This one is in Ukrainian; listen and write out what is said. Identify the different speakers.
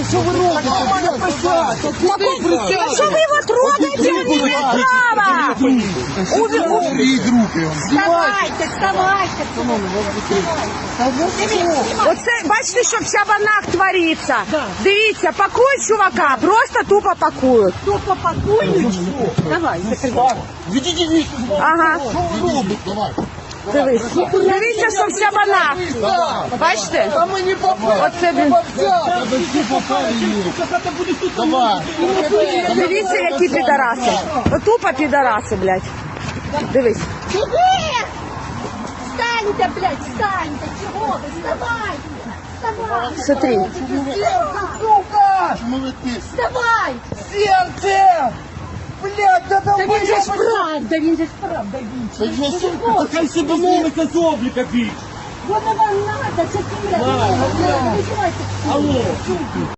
Speaker 1: Що ви робите?
Speaker 2: А что вы его трогаете? Он не имеет права!
Speaker 1: Уберіть руки.
Speaker 2: Вставайте, вставайте! Оце, бачите, що в Чабанах твориться? Дивіться, пакують чувака, просто тупо пакують.
Speaker 3: Тупо пакують? Давай, закривай.
Speaker 1: Відійдіть.
Speaker 2: Ага.
Speaker 1: Що ви робите? Давай.
Speaker 2: Дивись. Дивіться, що в Чабанах. Бачите?
Speaker 1: А ми не попали.
Speaker 2: Оце, блін.
Speaker 1: Давай.
Speaker 2: Дивіться, які підараси. Тупо підараси, блядь. Дивись.
Speaker 3: Іди! Встаньте, блядь, встаньте! Чого ви? Вставайте! Вставайте!
Speaker 2: Смотри.
Speaker 1: Сука! Чому ви тиск?
Speaker 3: Вставай!
Speaker 1: Серце! Блядь, да
Speaker 3: Та
Speaker 1: давай!
Speaker 3: він же ж правда, він же ж правда.
Speaker 1: Це ж сука!
Speaker 4: Хай себе мовиться з обліка більше.
Speaker 3: Воно вам надо, це кіля.
Speaker 4: Алло.